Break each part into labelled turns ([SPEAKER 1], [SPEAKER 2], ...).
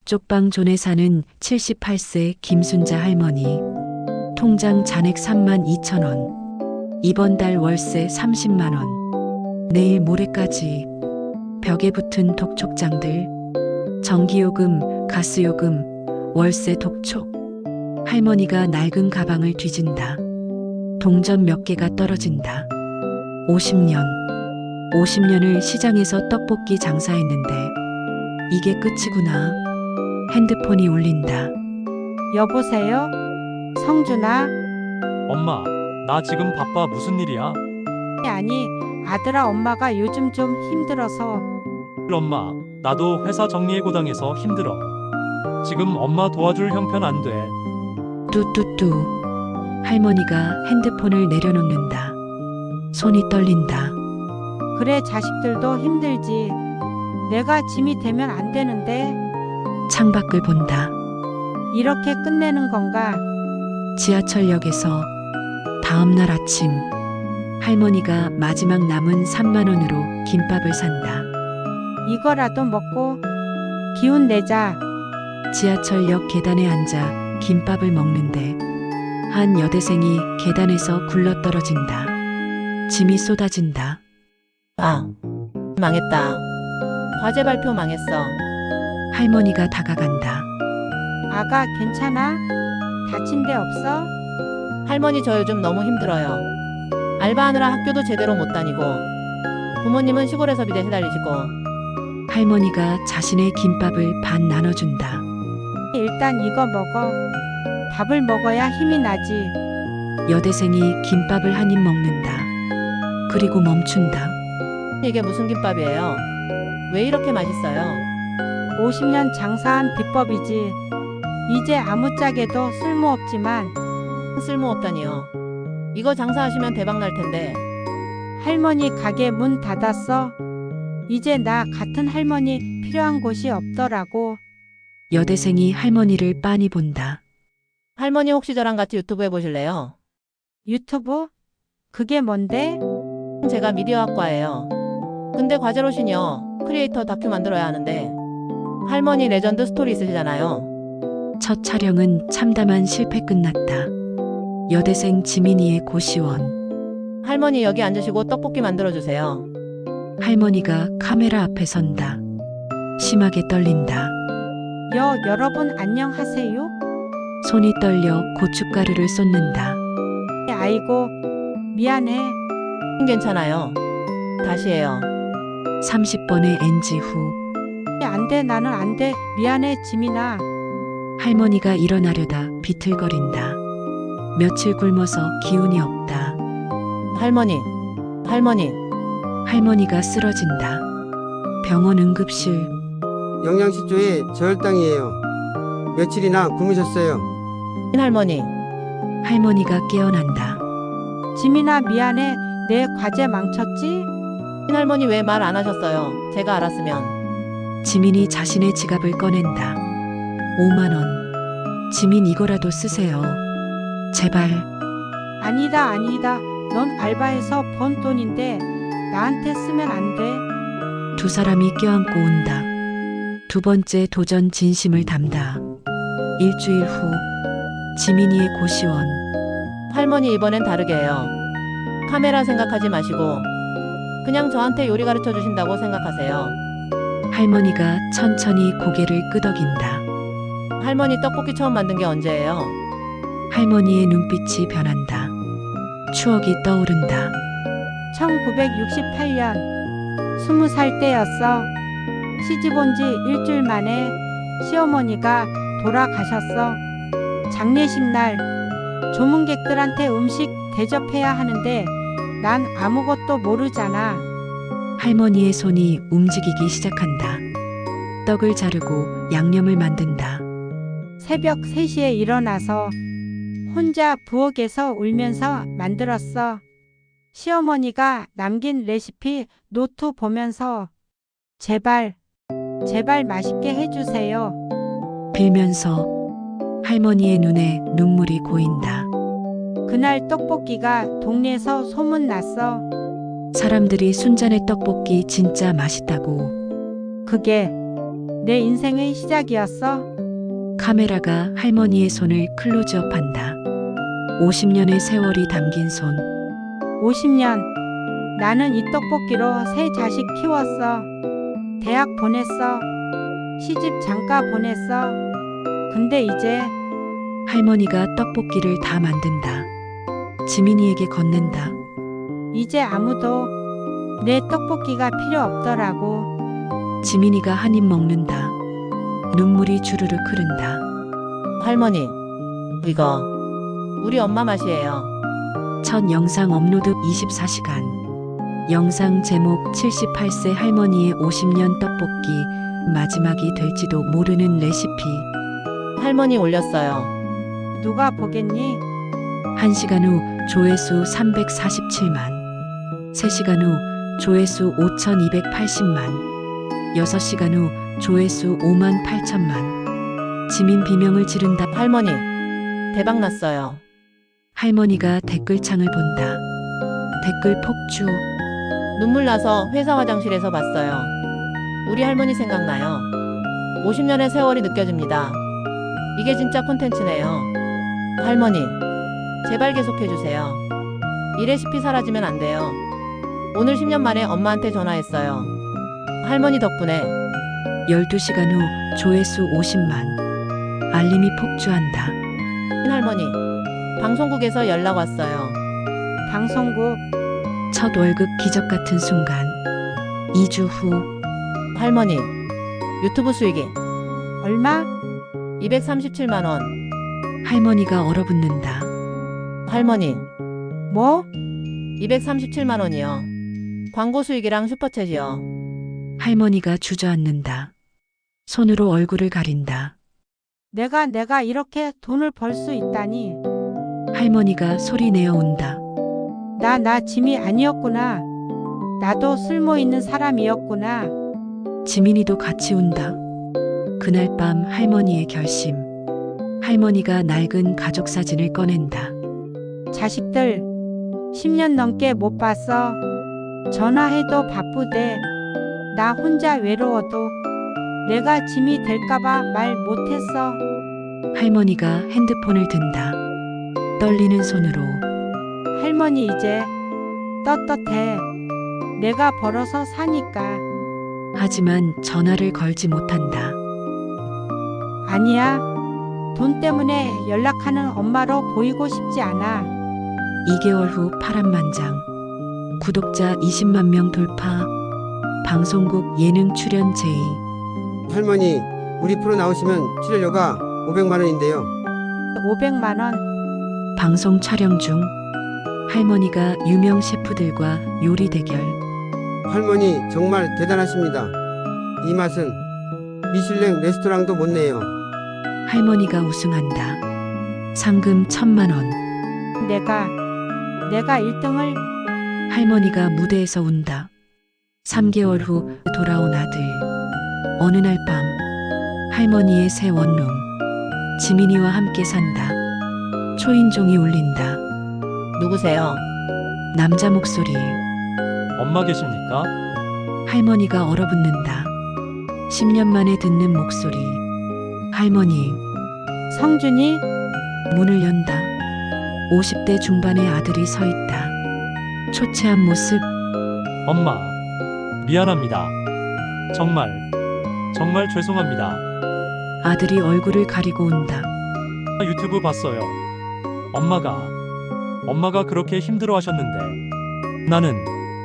[SPEAKER 1] 쪽방존에 사는 78세 김순자 할머니. 통장 잔액 32,000원. 이번 달 월세 30만원. 내일 모레까지. 벽에 붙은 독촉장들. 전기요금, 가스요금, 월세 독촉. 할머니가 낡은 가방을 뒤진다. 동전 몇 개가 떨어진다. 50년을 시장에서 떡볶이 장사했는데 이게 끝이구나. 핸드폰이 울린다.
[SPEAKER 2] 여보세요? 성준아?
[SPEAKER 3] 엄마, 나 지금 바빠. 무슨 일이야?
[SPEAKER 2] 아니, 아들아, 엄마가 요즘 좀 힘들어서.
[SPEAKER 3] 엄마, 나도 회사 정리해고당해서 힘들어. 지금 엄마 도와줄 형편 안 돼.
[SPEAKER 1] 뚜뚜뚜. 할머니가 핸드폰을 내려놓는다. 손이 떨린다.
[SPEAKER 2] 그래, 자식들도 힘들지. 내가 짐이 되면 안 되는데.
[SPEAKER 1] 창밖을 본다.
[SPEAKER 2] 이렇게 끝내는 건가?
[SPEAKER 1] 지하철역에서 다음날 아침 할머니가 마지막 남은 3만 원으로 김밥을 산다.
[SPEAKER 2] 이거라도 먹고 기운 내자.
[SPEAKER 1] 지하철역 계단에 앉아 김밥을 먹는데 한 여대생이 계단에서 굴러떨어진다. 짐이 쏟아진다.
[SPEAKER 4] 아, 망했다. 과제 발표 망했어.
[SPEAKER 1] 할머니가 다가간다.
[SPEAKER 2] 아가, 괜찮아? 다친 데 없어?
[SPEAKER 4] 할머니 저 요즘 너무 힘들어요. 알바하느라 학교도 제대로 못 다니고 부모님은 시골에서 비대 해달리시고.
[SPEAKER 1] 할머니가 자신의 김밥을 반 나눠준다.
[SPEAKER 2] 일단 이거 먹어. 밥을 먹어야 힘이 나지.
[SPEAKER 1] 여대생이 김밥을 한 입 먹는다. 그리고 멈춘다.
[SPEAKER 4] 이게 무슨 김밥이에요? 왜 이렇게 맛있어요?
[SPEAKER 2] 50년 장사한 비법이지. 이제 아무짝에도 쓸모없지만.
[SPEAKER 4] 쓸모없다니요. 이거 장사하시면 대박 날 텐데.
[SPEAKER 2] 할머니 가게 문 닫았어. 이제 나 같은 할머니 필요한 곳이 없더라고.
[SPEAKER 1] 여대생이 할머니를 빤히 본다.
[SPEAKER 4] 할머니 혹시 저랑 같이 유튜브 해보실래요?
[SPEAKER 2] 유튜브? 그게 뭔데?
[SPEAKER 4] 제가 미디어학과예요. 근데 과제로신요. 크리에이터 다큐 만들어야 하는데. 할머니 레전드 스토리 있으시잖아요.
[SPEAKER 1] 첫 촬영은 참담한 실패 끝났다. 여대생 지민이의 고시원.
[SPEAKER 4] 할머니 여기 앉으시고 떡볶이 만들어주세요.
[SPEAKER 1] 할머니가 카메라 앞에 선다. 심하게 떨린다.
[SPEAKER 2] 여러분 안녕하세요?
[SPEAKER 1] 손이 떨려 고춧가루를 쏟는다.
[SPEAKER 2] 아이고, 미안해.
[SPEAKER 4] 괜찮아요. 다시 해요.
[SPEAKER 1] 30번의 NG 후
[SPEAKER 2] 안 돼, 나는 안 돼. 미안해, 지민아.
[SPEAKER 1] 할머니가 일어나려다 비틀거린다. 며칠 굶어서 기운이 없다.
[SPEAKER 4] 할머니.
[SPEAKER 1] 할머니가 쓰러진다. 병원 응급실.
[SPEAKER 5] 영양실조에 저혈당이에요. 며칠이나 굶으셨어요.
[SPEAKER 4] 할머니.
[SPEAKER 1] 할머니가 깨어난다.
[SPEAKER 2] 지민아, 미안해. 내 과제 망쳤지?
[SPEAKER 4] 할머니 왜 말 안 하셨어요? 제가 알았으면.
[SPEAKER 1] 지민이 자신의 지갑을 꺼낸다. 5만 원. 지민 이거라도 쓰세요. 제발.
[SPEAKER 2] 아니다. 넌 알바해서 번 돈인데 나한테 쓰면 안 돼.
[SPEAKER 1] 두 사람이 껴안고 온다. 두 번째 도전 진심을 담다. 일주일 후 지민이의 고시원.
[SPEAKER 4] 할머니 이번엔 다르게 해요. 카메라 생각하지 마시고 그냥 저한테 요리 가르쳐 주신다고 생각하세요.
[SPEAKER 1] 할머니가 천천히 고개를 끄덕인다.
[SPEAKER 4] 할머니 떡볶이 처음 만든 게 언제예요?
[SPEAKER 1] 할머니의 눈빛이 변한다. 추억이 떠오른다.
[SPEAKER 2] 1968년 20살 때였어. 시집 온 지 일주일 만에 시어머니가 돌아가셨어. 장례식 날 조문객들한테 음식 대접해야 하는데 난 아무것도 모르잖아.
[SPEAKER 1] 할머니의 손이 움직이기 시작한다. 떡을 자르고 양념을 만든다.
[SPEAKER 2] 새벽 3시에 일어나서 혼자 부엌에서 울면서 만들었어. 시어머니가 남긴 레시피 노트 보면서 제발 맛있게 해주세요.
[SPEAKER 1] 빌면서 할머니의 눈에 눈물이 고인다.
[SPEAKER 2] 그날 떡볶이가 동네에서 소문났어.
[SPEAKER 1] 사람들이 순잔의 떡볶이 진짜 맛있다고.
[SPEAKER 2] 그게 내 인생의 시작이었어.
[SPEAKER 1] 카메라가 할머니의 손을 클로즈업한다. 50년의 세월이 담긴 손.
[SPEAKER 2] 50년. 나는 이 떡볶이로 세 자식 키웠어. 대학 보냈어. 시집 장가 보냈어. 근데 이제
[SPEAKER 1] 할머니가 떡볶이를 다 만든다. 지민이에게 건넨다.
[SPEAKER 2] 이제 아무도 내 떡볶이가 필요 없더라고.
[SPEAKER 1] 지민이가 한 입 먹는다. 눈물이 주르륵 흐른다.
[SPEAKER 4] 할머니, 이거 우리 엄마 맛이에요.
[SPEAKER 1] 첫 영상 업로드 24시간. 영상 제목 78세 할머니의 50년 떡볶이. 마지막이 될지도 모르는 레시피.
[SPEAKER 4] 할머니 올렸어요.
[SPEAKER 2] 누가 보겠니?
[SPEAKER 1] 1시간 후 조회수 347만. 3시간 후 조회수 5280만. 6시간 후 조회수 5만 8천만. 지민 비명을 지른다.
[SPEAKER 4] 할머니, 대박 났어요.
[SPEAKER 1] 할머니가 댓글창을 본다. 댓글 폭주.
[SPEAKER 4] 눈물 나서 회사 화장실에서 봤어요. 우리 할머니 생각나요. 50년의 세월이 느껴집니다. 이게 진짜 콘텐츠네요. 할머니, 제발 계속해주세요. 이 레시피 사라지면 안 돼요. 오늘 10년 만에 엄마한테 전화했어요. 할머니 덕분에
[SPEAKER 1] 12시간 후 조회수 50만. 알림이 폭주한다.
[SPEAKER 4] 할머니, 방송국에서 연락 왔어요.
[SPEAKER 2] 방송국.
[SPEAKER 1] 첫 월급 기적 같은 순간. 2주 후
[SPEAKER 4] 할머니, 유튜브 수익이
[SPEAKER 2] 얼마?
[SPEAKER 4] 237만 원.
[SPEAKER 1] 할머니가 얼어붙는다.
[SPEAKER 4] 할머니,
[SPEAKER 2] 뭐?
[SPEAKER 4] 237만 원이요. 광고 수익이랑 슈퍼챗이요.
[SPEAKER 1] 할머니가 주저앉는다. 손으로 얼굴을 가린다.
[SPEAKER 2] 내가 이렇게 돈을 벌 수 있다니.
[SPEAKER 1] 할머니가 소리내어 운다.
[SPEAKER 2] 나 짐이 아니었구나. 나도 쓸모 있는 사람이었구나.
[SPEAKER 1] 지민이도 같이 운다. 그날 밤 할머니의 결심. 할머니가 낡은 가족 사진을 꺼낸다.
[SPEAKER 2] 자식들 10년 넘게 못 봤어. 전화해도 바쁘대. 나 혼자 외로워도 내가 짐이 될까봐 말 못했어.
[SPEAKER 1] 할머니가 핸드폰을 든다. 떨리는 손으로.
[SPEAKER 2] 할머니 이제 떳떳해. 내가 벌어서 사니까.
[SPEAKER 1] 하지만 전화를 걸지 못한다.
[SPEAKER 2] 아니야. 돈 때문에 연락하는 엄마로 보이고 싶지 않아.
[SPEAKER 1] 2개월 후 파란만장. 구독자 20만 명 돌파. 방송국 예능 출연 제의.
[SPEAKER 5] 할머니, 우리 프로 나오시면 출연료가 500만 원인데요.
[SPEAKER 2] 500만 원.
[SPEAKER 1] 방송 촬영 중. 할머니가 유명 셰프들과 요리 대결.
[SPEAKER 5] 할머니 정말 대단하십니다. 이 맛은 미슐랭 레스토랑도 못 내요.
[SPEAKER 1] 할머니가 우승한다. 상금 1000만 원.
[SPEAKER 2] 내가 1등을.
[SPEAKER 1] 할머니가 무대에서 운다. 3개월 후 돌아온 아들. 어느 날 밤 할머니의 새 원룸. 지민이와 함께 산다. 초인종이 울린다.
[SPEAKER 4] 누구세요?
[SPEAKER 1] 남자 목소리.
[SPEAKER 3] 엄마 계십니까?
[SPEAKER 1] 할머니가 얼어붙는다. 10년 만에 듣는 목소리. 할머니.
[SPEAKER 2] 성준이.
[SPEAKER 1] 문을 연다. 50대 중반의 아들이 서 있다. 초췌한 모습.
[SPEAKER 3] 엄마, 미안합니다. 정말 죄송합니다.
[SPEAKER 1] 아들이 얼굴을 가리고 운다.
[SPEAKER 3] 유튜브 봤어요. 엄마가 그렇게 힘들어 하셨는데 나는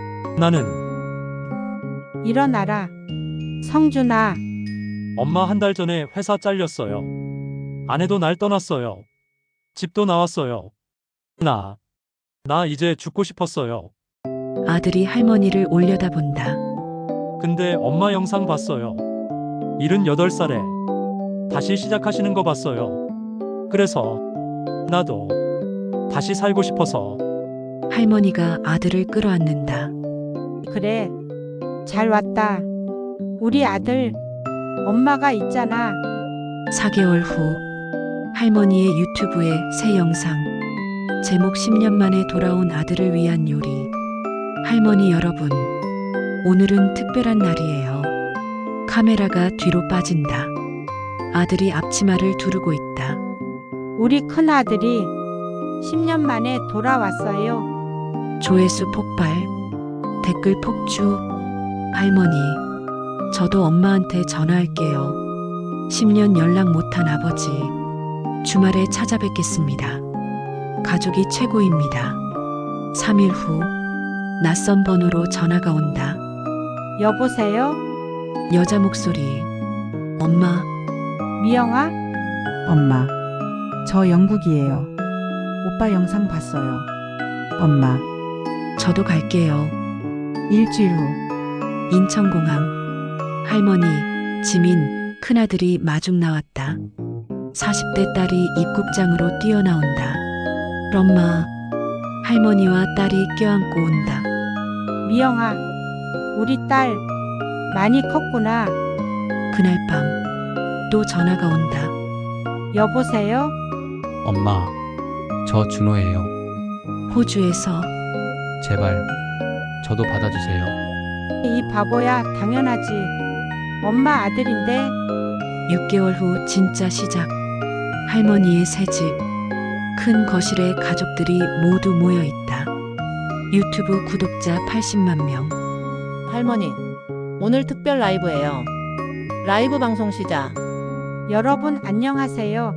[SPEAKER 2] 일어나라. 성준아.
[SPEAKER 3] 엄마 한 달 전에 회사 잘렸어요. 아내도 날 떠났어요. 집도 나왔어요. 나 이제 죽고 싶었어요.
[SPEAKER 1] 아들이 할머니를 올려다본다.
[SPEAKER 3] 근데 엄마 영상 봤어요. 78살에 다시 시작하시는 거 봤어요. 그래서 나도 다시 살고 싶어서.
[SPEAKER 1] 할머니가 아들을 끌어안는다.
[SPEAKER 2] 그래. 잘 왔다. 우리 아들. 엄마가 있잖아.
[SPEAKER 1] 4개월 후 할머니의 유튜브에 새 영상. 제목 10년 만에 돌아온 아들을 위한 요리. 할머니 여러분, 오늘은 특별한 날이에요. 카메라가 뒤로 빠진다. 아들이 앞치마를 두르고 있다.
[SPEAKER 2] 우리 큰아들이 10년 만에 돌아왔어요.
[SPEAKER 1] 조회수 폭발, 댓글 폭주. 할머니, 저도 엄마한테 전화할게요. 10년 연락 못한 아버지, 주말에 찾아뵙겠습니다. 가족이 최고입니다. 3일 후, 낯선 번호로 전화가 온다.
[SPEAKER 2] 여보세요?
[SPEAKER 1] 여자 목소리. 엄마,
[SPEAKER 2] 미영아?
[SPEAKER 6] 엄마, 저 영국이에요. 오빠 영상 봤어요. 엄마,
[SPEAKER 1] 저도 갈게요.
[SPEAKER 6] 일주일 후
[SPEAKER 1] 인천공항. 할머니, 지민, 큰아들이 마중 나왔다. 40대 딸이 입국장으로 뛰어나온다. 엄마, 할머니와 딸이 껴안고 온다.
[SPEAKER 2] 미영아, 우리 딸 많이 컸구나.
[SPEAKER 1] 그날 밤, 또 전화가 온다.
[SPEAKER 2] 여보세요?
[SPEAKER 7] 엄마, 저 준호예요.
[SPEAKER 1] 호주에서.
[SPEAKER 7] 제발, 저도 받아주세요.
[SPEAKER 2] 이 바보야, 당연하지. 엄마 아들인데.
[SPEAKER 1] 6개월 후 진짜 시작. 할머니의 새 집. 큰 거실에 가족들이 모두 모여 있다. 유튜브 구독자 80만 명.
[SPEAKER 4] 할머니, 오늘 특별 라이브예요. 라이브 방송 시작.
[SPEAKER 2] 여러분 안녕하세요.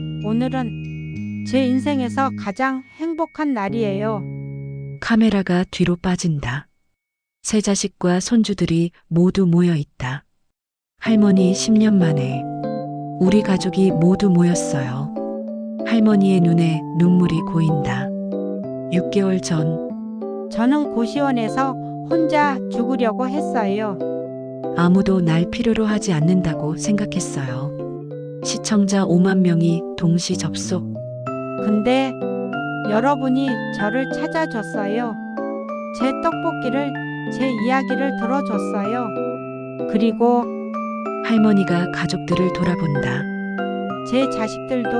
[SPEAKER 2] 오늘은 제 인생에서 가장 행복한 날이에요.
[SPEAKER 1] 카메라가 뒤로 빠진다. 새 자식과 손주들이 모두 모여 있다. 할머니 10년 만에 우리 가족이 모두 모였어요. 할머니의 눈에 눈물이 고인다. 6개월 전
[SPEAKER 2] 저는 고시원에서 혼자 죽으려고 했어요.
[SPEAKER 1] 아무도 날 필요로 하지 않는다고 생각했어요. 시청자 5만 명이 동시 접속.
[SPEAKER 2] 근데 여러분이 저를 찾아줬어요. 제 떡볶이를, 제 이야기를 들어줬어요. 그리고
[SPEAKER 1] 할머니가 가족들을 돌아본다.
[SPEAKER 2] 제 자식들도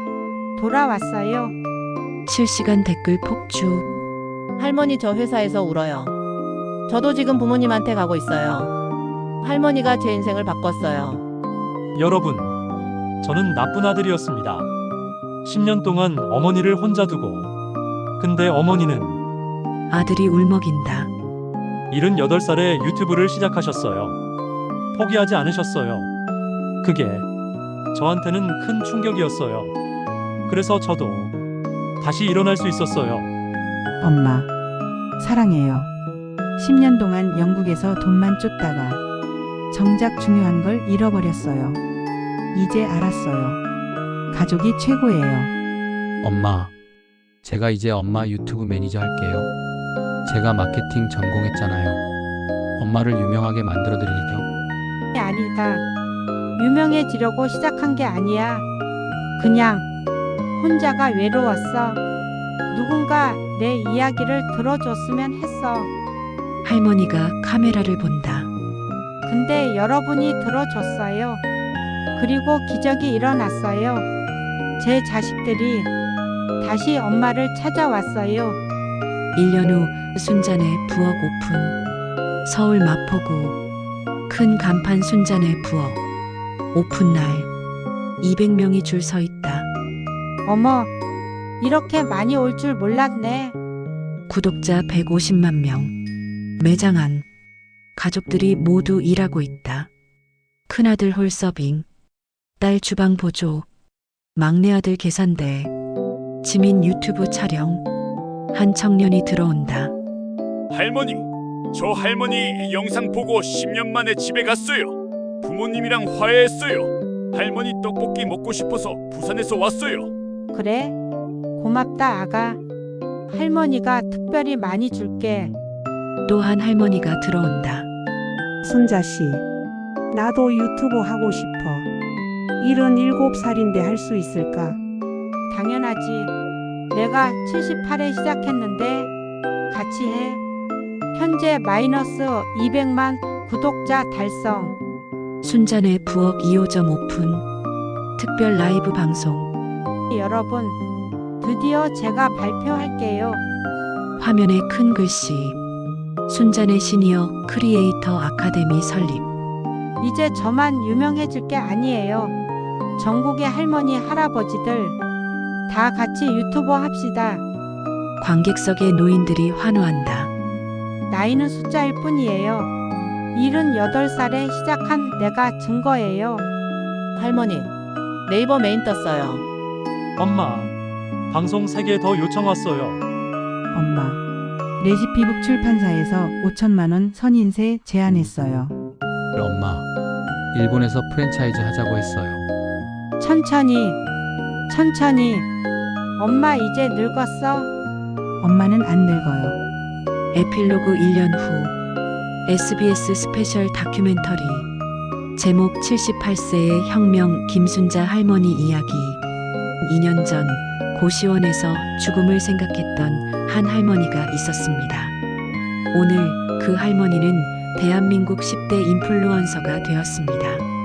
[SPEAKER 2] 돌아왔어요.
[SPEAKER 1] 실시간 댓글 폭주.
[SPEAKER 4] 할머니 저 회사에서 울어요. 저도 지금 부모님한테 가고 있어요. 할머니가 제 인생을 바꿨어요.
[SPEAKER 3] 여러분, 저는 나쁜 아들이었습니다. 10년 동안 어머니를 혼자 두고. 근데 어머니는
[SPEAKER 1] 아들이 울먹인다.
[SPEAKER 3] 78살에 유튜브를 시작하셨어요. 포기하지 않으셨어요. 그게 저한테는 큰 충격이었어요. 그래서 저도 다시 일어날 수 있었어요.
[SPEAKER 6] 엄마, 사랑해요. 10년 동안 영국에서 돈만 쫓다가 정작 중요한 걸 잃어버렸어요. 이제 알았어요. 가족이 최고예요.
[SPEAKER 7] 엄마, 제가 이제 엄마 유튜브 매니저 할게요. 제가 마케팅 전공했잖아요. 엄마를 유명하게 만들어 드릴게요.
[SPEAKER 2] 아니다. 유명해지려고 시작한 게 아니야. 그냥 혼자가 외로웠어. 누군가 내 이야기를 들어줬으면 했어.
[SPEAKER 1] 할머니가 카메라를 본다.
[SPEAKER 2] 근데 여러분이 들어줬어요. 그리고 기적이 일어났어요. 제 자식들이 다시 엄마를 찾아왔어요.
[SPEAKER 1] 1년 후 순잔의 부엌 오픈. 서울 마포구. 큰 간판 순잔의 부엌. 오픈날 200명이 줄 서 있다.
[SPEAKER 2] 어머, 이렇게 많이 올 줄 몰랐네.
[SPEAKER 1] 구독자 150만 명. 매장 안. 가족들이 모두 일하고 있다. 큰아들 홀서빙. 딸 주방 보조. 막내 아들 계산대. 지민 유튜브 촬영. 한 청년이 들어온다.
[SPEAKER 8] 할머니, 저 할머니 영상 보고 10년 만에 집에 갔어요. 부모님이랑 화해했어요. 할머니 떡볶이 먹고 싶어서 부산에서 왔어요.
[SPEAKER 2] 그래? 고맙다, 아가. 할머니가 특별히 많이 줄게.
[SPEAKER 1] 또 한 할머니가 들어온다.
[SPEAKER 9] 손자씨, 나도 유튜브 하고 싶어. 77살인데 할 수 있을까?
[SPEAKER 2] 당연하지. 내가 78에 시작했는데 같이 해. 현재 마이너스 200만 구독자 달성.
[SPEAKER 1] 순잔의 부엌 2호점 오픈. 특별 라이브 방송.
[SPEAKER 2] 여러분, 드디어 제가 발표할게요.
[SPEAKER 1] 화면에 큰 글씨. 순잔의 시니어 크리에이터 아카데미 설립.
[SPEAKER 2] 이제 저만 유명해질 게 아니에요. 전국의 할머니, 할아버지들 다 같이 유튜버 합시다.
[SPEAKER 1] 관객석의 노인들이 환호한다.
[SPEAKER 2] 나이는 숫자일 뿐이에요. 78살에 시작한 내가 증거예요.
[SPEAKER 4] 할머니, 네이버 메인 떴어요.
[SPEAKER 3] 엄마, 방송 3개 더 요청 왔어요.
[SPEAKER 6] 엄마. 레시피북 출판사에서 5천만 원 선인세 제안했어요.
[SPEAKER 7] 엄마, 일본에서 프랜차이즈 하자고 했어요.
[SPEAKER 2] 천천히. 엄마 이제 늙었어.
[SPEAKER 6] 엄마는 안 늙어요.
[SPEAKER 1] 에필로그 1년 후 SBS 스페셜 다큐멘터리 제목 78세의 혁명 김순자 할머니 이야기. 2년 전 고시원에서 죽음을 생각했던 한 할머니가 있었습니다. 오늘 그 할머니는 대한민국 10대 인플루언서가 되었습니다.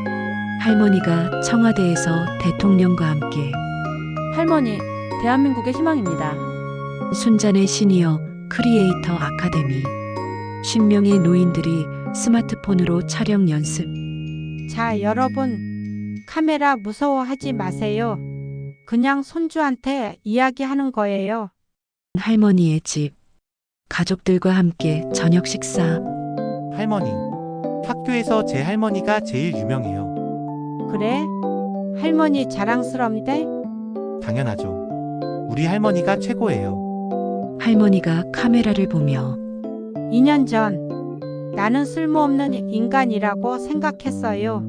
[SPEAKER 1] 할머니가 청와대에서 대통령과 함께
[SPEAKER 4] 할머니, 대한민국의 희망입니다.
[SPEAKER 1] 순잔의 시니어 크리에이터 아카데미 10명의 노인들이 스마트폰으로 촬영 연습.
[SPEAKER 2] 자, 여러분. 카메라 무서워하지 마세요. 그냥 손주한테 이야기하는 거예요.
[SPEAKER 1] 할머니의 집. 가족들과 함께 저녁 식사.
[SPEAKER 10] 할머니, 학교에서 제 할머니가 제일 유명해요.
[SPEAKER 2] 그래? 할머니 자랑스럽대?
[SPEAKER 10] 당연하죠. 우리 할머니가 최고예요.
[SPEAKER 1] 할머니가 카메라를 보며
[SPEAKER 2] 2년 전 나는 쓸모없는 인간이라고 생각했어요.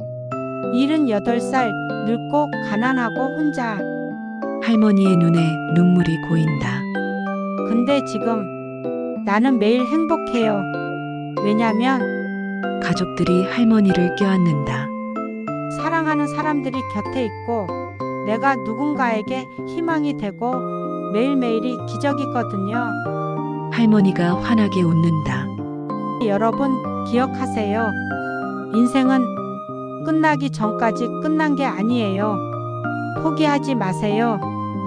[SPEAKER 2] 78살 늙고 가난하고 혼자.
[SPEAKER 1] 할머니의 눈에 눈물이 고인다.
[SPEAKER 2] 근데 지금 나는 매일 행복해요. 왜냐면
[SPEAKER 1] 가족들이 할머니를 껴안는다.
[SPEAKER 2] 사랑하는 사람들이 곁에 있고 내가 누군가에게 희망이 되고 매일매일이 기적이거든요.
[SPEAKER 1] 할머니가 환하게 웃는다.
[SPEAKER 2] 여러분 기억하세요. 인생은 끝나기 전까지 끝난 게 아니에요. 포기하지 마세요.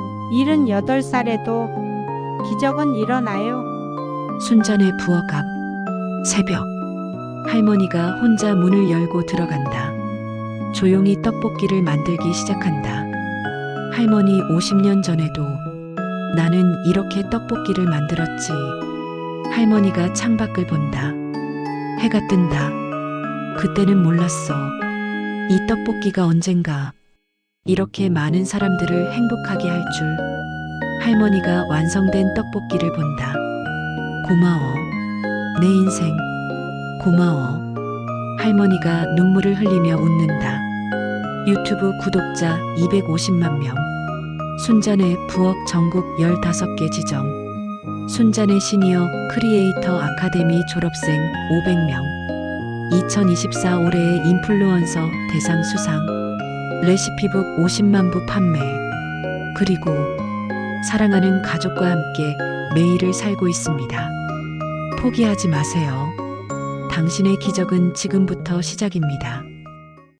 [SPEAKER 2] 78살에도 기적은 일어나요.
[SPEAKER 1] 순잔의 부엌 앞. 새벽. 할머니가 혼자 문을 열고 들어간다. 조용히 떡볶이를 만들기 시작한다. 할머니 50년 전에도 나는 이렇게 떡볶이를 만들었지. 할머니가 창밖을 본다. 해가 뜬다. 그때는 몰랐어. 이 떡볶이가 언젠가 이렇게 많은 사람들을 행복하게 할 줄. 할머니가 완성된 떡볶이를 본다. 고마워. 내 인생. 고마워. 할머니가 눈물을 흘리며 웃는다. 유튜브 구독자 250만 명. 순잔의 부엌 전국 15개 지점. 순잔의 시니어 크리에이터 아카데미 졸업생 500명. 2024 올해의 인플루언서 대상 수상. 레시피북 50만 부 판매. 그리고 사랑하는 가족과 함께 매일을 살고 있습니다. 포기하지 마세요. 당신의 기적은 지금부터 시작입니다.